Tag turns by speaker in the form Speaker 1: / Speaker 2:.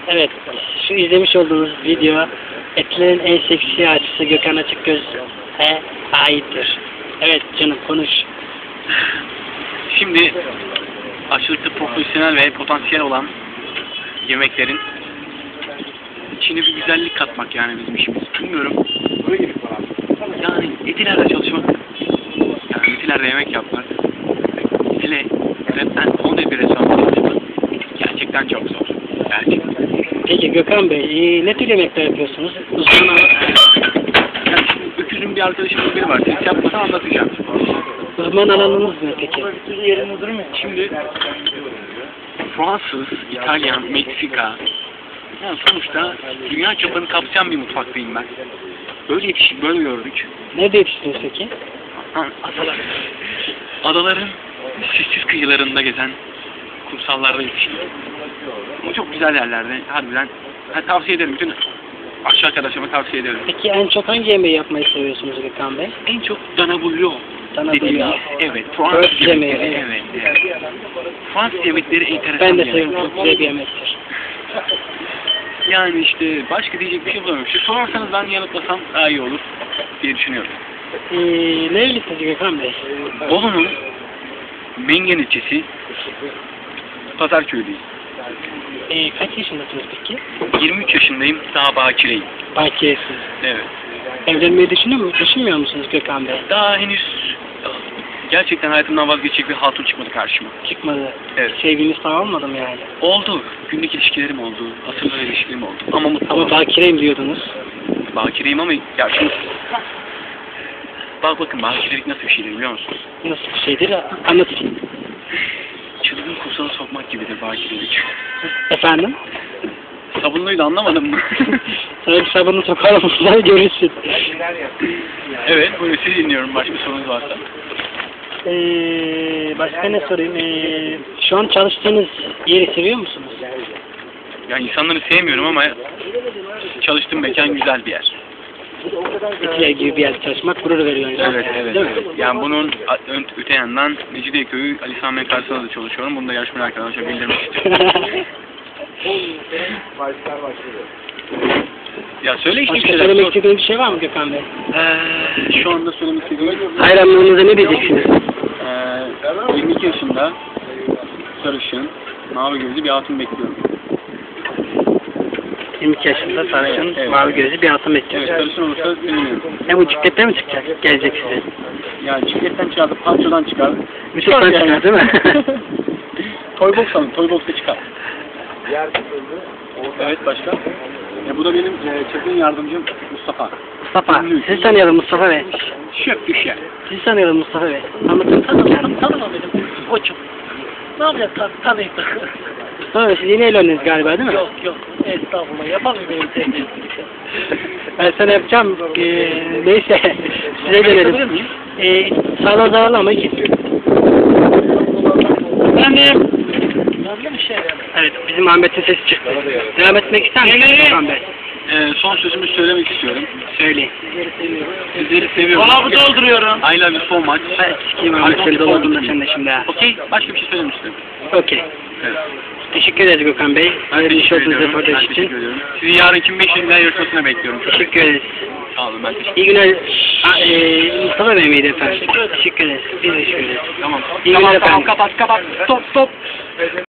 Speaker 1: Evet, şu izlemiş olduğunuz video etlerin en seksi açısı Gökhan Açıkgöz'e aittir. Evet canım, konuş.
Speaker 2: Şimdi aşırı profesyonel ve potansiyel olan yemeklerin içine bir güzellik katmak yani bizim işimiz. Bilmiyorum. Yani Etiler'de çalışmak, yani Etiler'de yemek yapmak, hele onda bir restoranda çalışmak gerçekten çok zor. Gerçekten.
Speaker 1: Peki Gökhan Bey, ne tür yemekler yapıyorsunuz?
Speaker 2: Yani şimdi öküzün bir arkadaşımın biri var. Siz yapmadan anlatacağım.
Speaker 1: Uzman alanınız ne peki?
Speaker 2: Şimdi Fransız, İtalyan, Meksika, yani sonuçta dünya çapını kapsayan bir mutfaktayım ben. Böyle yetiştik, böyle gördük.
Speaker 1: Nerede yetiştiniz peki?
Speaker 2: Adaların sessiz kıyılarında gezen kumsallarda yetiştik. Ama çok güzel yerlerde, harbiden. Tavsiye ederim, bütün aşağı arkadaşlarıma tavsiye ederim.
Speaker 1: Peki en çok hangi yemeği yapmayı seviyorsunuz Gökhan Bey?
Speaker 2: En çok dana bouillon
Speaker 1: Dana
Speaker 2: dediğimiz,
Speaker 1: bouillon.
Speaker 2: evet, Fransız
Speaker 1: Öt yemeği,
Speaker 2: yemekleri, evet. Fransız yemekleri enteresan
Speaker 1: Ben de
Speaker 2: yemekler.
Speaker 1: seviyorum, çok güzel bir yemektir.
Speaker 2: Yani işte başka diyecek bir şey bulamıyorum. İşte sorarsanız ben yanıtlasam daha iyi olur diye düşünüyorum.
Speaker 1: Nerelisiniz Gökhan Bey?
Speaker 2: Bolu'nun Mengen ilçesi Pazarköy'deyiz.
Speaker 1: Kaç yaşındasınız peki?
Speaker 2: 23 yaşındayım, daha bakireyim.
Speaker 1: Bakiresiniz.
Speaker 2: Evet.
Speaker 1: Evlenmeyi düşünmüyor musunuz Gökhan Bey?
Speaker 2: Daha henüz gerçekten hayatımdan vazgeçecek bir hatun çıkmadı karşıma.
Speaker 1: Çıkmadı.
Speaker 2: Evet.
Speaker 1: Sevginiz falan olmadı mı yani?
Speaker 2: Oldu. Günlük ilişkilerim oldu. Asırlar ilişkilerim oldu. Ama mutlu
Speaker 1: Ama
Speaker 2: olamadım.
Speaker 1: bakireyim diyordunuz.
Speaker 2: Bakireyim ama ya şimdi bakın bakirelik nasıl bir şeydir biliyor musunuz?
Speaker 1: Nasıl bir şeydir? Anlatayım.
Speaker 2: Çılgın kursağına sokmak gibidir bakirelik.
Speaker 1: Efendim?
Speaker 2: Sabunluydu, anlamadın mı?
Speaker 1: Sana bir sabunu sokalım, sen görürsün.
Speaker 2: Evet, buyurun sizi dinliyorum. Başka sorunuz varsa.
Speaker 1: Başka ne sorayım? Şu an çalıştığınız yeri seviyor musunuz?
Speaker 2: Yani insanları sevmiyorum ama çalıştığım mekan güzel bir yer.
Speaker 1: Etiler gibi bir yerde çalışmak gurur veriyor insana.
Speaker 2: Evet, evet.
Speaker 1: Değil mi?
Speaker 2: Yani bunun öte yandan Mecidiyeköy'ü Ali Sami Akarsu'da da çalışıyorum. Bunu da yarışmaya arkadaşlar bildirmek istiyorum. Ya söyle işte bir
Speaker 1: Başka
Speaker 2: şeyler.
Speaker 1: söylemek istediğiniz bir şey var mı Gökhan Bey?
Speaker 2: Şu anda söylemek istediğim
Speaker 1: Hayranlarınıza ne diyeceksiniz?
Speaker 2: 22 yaşında sarışın, mavi gözlü bir hatun bekliyorum.
Speaker 1: 22 yaşında sarışın,
Speaker 2: Evet.
Speaker 1: mavi gözlü bir hatun
Speaker 2: Evet,
Speaker 1: bekliyor.
Speaker 2: sarışın olursa sevinirim.
Speaker 1: Bu cikletle mi çıkacak? Gelecek size.
Speaker 2: Yani cikletten çıkardı, pançodan çıkar.
Speaker 1: Müthişten çıkar değil mi?
Speaker 2: Toybox alın, Toybox'ta çıkar. Evet, başka? Bu da benim çılgın yardımcım Mustafa.
Speaker 1: Mustafa, sizi tanıyalım Mustafa Bey.
Speaker 2: Şef düşer.
Speaker 1: Sizi tanıyalım Mustafa Bey. Anlatın tanıyalım.
Speaker 3: Tanıma benim koçum. Ne yapacaksın tanıyıp da?
Speaker 1: Mustafa Bey, siz yeni evlendiniz galiba değil mi?
Speaker 3: Yok yok. Estağfurullah. Yapamıyor benim sevgilim.
Speaker 1: Ben sana yapacağım. Neyse. Size dönelim. Sağlam zararlı ama iyi. Efendim.
Speaker 3: Yandı bir şey yani.
Speaker 1: Evet, bizim Ahmet'in sesi çıktı. Devam etmek ister misiniz Gökhan Bey?
Speaker 2: Son sözümü söylemek istiyorum.
Speaker 1: Söyleyin.
Speaker 2: Sizleri seviyorum.
Speaker 3: Dolabı dolduruyorum.
Speaker 2: I love you so much.
Speaker 1: Ben sikeyim Ahmet, seni doldurdum sen de şimdi ha.
Speaker 2: Okey, başka bir şey söylemek istiyorum.
Speaker 1: Okey.
Speaker 2: Evet.
Speaker 1: Teşekkür ederiz Gökhan Bey.
Speaker 2: Ben
Speaker 1: Hayırlı iş
Speaker 2: teşekkür
Speaker 1: olsun
Speaker 2: ediyorum. Ben
Speaker 1: röportaj
Speaker 2: teşekkür
Speaker 1: için.
Speaker 2: ediyorum. Sizi yarınki 5 yıllar yarışmasına bekliyorum.
Speaker 1: Teşekkür ederiz.
Speaker 2: Sağ olun, ben teşekkür
Speaker 1: İyi günler. Mustafa Bey miydi efendim? Teşekkür ederiz. Biz teşekkür ederiz.
Speaker 2: Tamam.
Speaker 1: İyi günler efendim.
Speaker 2: Kapat. Stop.